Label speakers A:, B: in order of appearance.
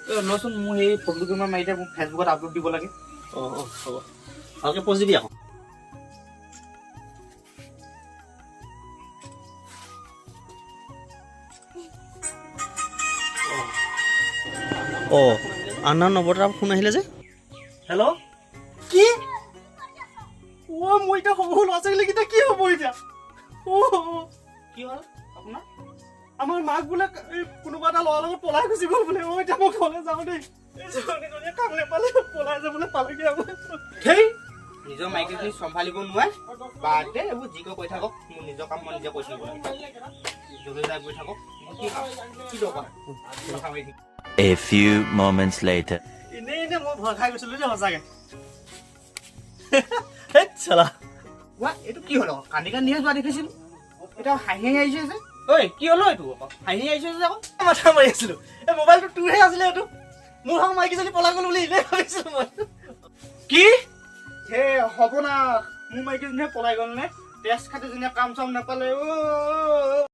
A: লচোন মোৰ সেই ফটো কেইটামান মাৰি দে মোক ফেচবুকত আপলোড দিব লাগে
B: হ'ব ভালকৈ প'ষ্ট দিবি আকৌ আন্না নৱতাৰ ফোন আহিলে যে
C: হেল্ল' কি মই এতিয়া সৰু ল'ৰা ছোৱালীকেইটা কি হ'ব এতিয়া
A: কি হ'ল আপোনাৰ
C: আমাৰ মাক বোলে কোনোবা এটা ল'ৰাৰ লগত পলাই গুচি গ'ল বোলে এতিয়া মই ঘৰলৈ যাওঁ দেই কাম নাপালে পলাই যাবলৈ পালেগে
A: সেই নিজৰ মাইকীজনী চম্ভালিব নোৱাৰে বাদ দে এইবোৰ যি কৈ থাকক মোৰ নিজৰ কাম মই নিজে কৰি থাকিব লাগে য'লৈ যাই গৈ থাকক কি কাম কি দৰকাৰ কথা মাৰি থাকিম
D: A few moments later.
C: এনেই মই ভয় খাই গৈছিলো যে সঁচাকে হেৎ চালা
A: এইটো কি হ'ল আকৌ কান্দি কান্দিহে যোৱা দেখিছিলো এতিয়া হাঁহি আহিছে যে ঐ কি হ'ল এইটো আকৌ হাঁহি আহিছে যে আকৌ
C: মাথা মাৰি আছিলো এই মোবাইলটো তোৰহে আছিলে এইটো মোৰ হাও মাইকীজনী পলাই গ'ল বুলি এনেই ভাবিছিলো মই
A: কি হে হ'ব না মোৰ মাইকীজনীয়ে পলাই গ'ল নে তেজ খাটিজনীয়ে কাম চাম নাপালে